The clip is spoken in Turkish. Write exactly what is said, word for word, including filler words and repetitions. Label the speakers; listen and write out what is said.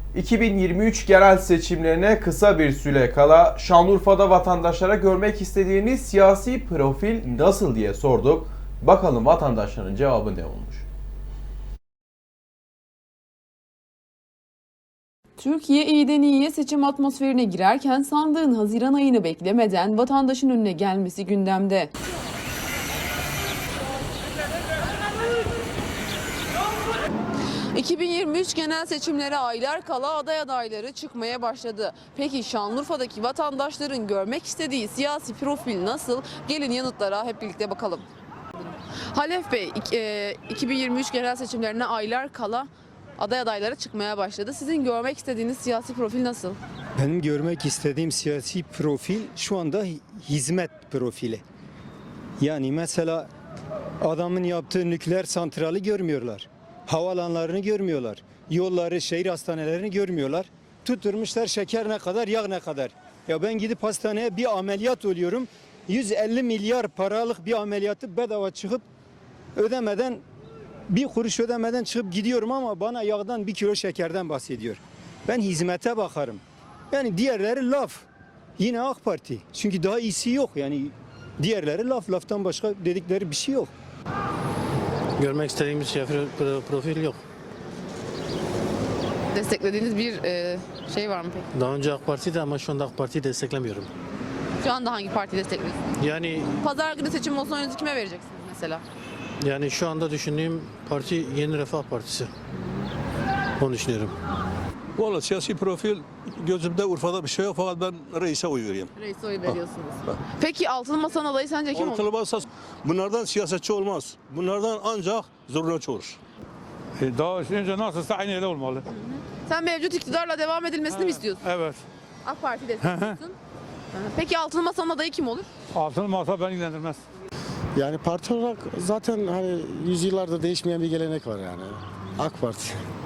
Speaker 1: iki bin yirmi üç yerel seçimlerine kısa bir süre kala Şanlıurfa'da vatandaşlara görmek istediğiniz siyasi profil nasıl diye sorduk. Bakalım vatandaşların cevabı ne olmuş?
Speaker 2: Türkiye iyiden iyiye seçim atmosferine girerken sandığın Haziran ayını beklemeden vatandaşın önüne gelmesi gündemde. iki bin yirmi üç genel seçimlere aylar kala aday adayları çıkmaya başladı. Peki Şanlıurfa'daki vatandaşların görmek istediği siyasi profil nasıl? Gelin yanıtlara hep birlikte bakalım. Halef Bey, iki bin yirmi üç genel seçimlerine aylar kala aday adayları çıkmaya başladı. Sizin görmek istediğiniz siyasi profil nasıl?
Speaker 3: Benim görmek istediğim siyasi profil şu anda hizmet profili. Yani mesela adamın yaptığı nükleer santrali görmüyorlar. Havalanlarını görmüyorlar. Yolları, şehir hastanelerini görmüyorlar. Tutturmuşlar şeker ne kadar, yağ ne kadar. Ya ben gidip hastaneye bir ameliyat oluyorum. yüz elli milyar paralık bir ameliyatı bedava çıkıp ödemeden, bir kuruş ödemeden çıkıp gidiyorum ama bana yağdan bir kilo şekerden bahsediyor. Ben hizmete bakarım. Yani diğerleri laf. Yine AK Parti. Çünkü daha iyisi yok. Yani diğerleri laf. Laftan başka dedikleri bir şey yok.
Speaker 4: Görmek istediğimiz şey, profil yok.
Speaker 2: Desteklediğiniz bir e, şey var mı peki?
Speaker 4: Daha önce AK Parti'de ama şu anda AK Parti'yi desteklemiyorum.
Speaker 2: Şu anda hangi partiyi destekliyorsunuz?
Speaker 4: Yani
Speaker 2: Pazar günü seçim olsa oyunuzu kime vereceksiniz mesela?
Speaker 4: yani şu anda düşündüğüm parti Yeni Refah Partisi. Onu düşünüyorum.
Speaker 5: Valla siyasi profil gözümde Urfa'da bir şey yok fakat ben reise oy vereyim.
Speaker 2: Reis'e oy veriyorsunuz. Peki altılı masanın adayı sence kim olur?
Speaker 5: Ortalamazsa bunlardan siyasetçi olmaz. Bunlardan ancak zurnacı olur.
Speaker 6: E, Daha önce nasılsa aynı öyle olmalı.
Speaker 2: Sen mevcut iktidarla devam edilmesini mi istiyorsun?
Speaker 6: Evet.
Speaker 2: AK Parti destekliyorsun. Hı hı. Peki altılı masanın adayı kim olur?
Speaker 6: Altın masa beni ilgilendirmez.
Speaker 7: Yani parti olarak zaten hani yüzyıllardır değişmeyen bir gelenek var yani. AK Parti.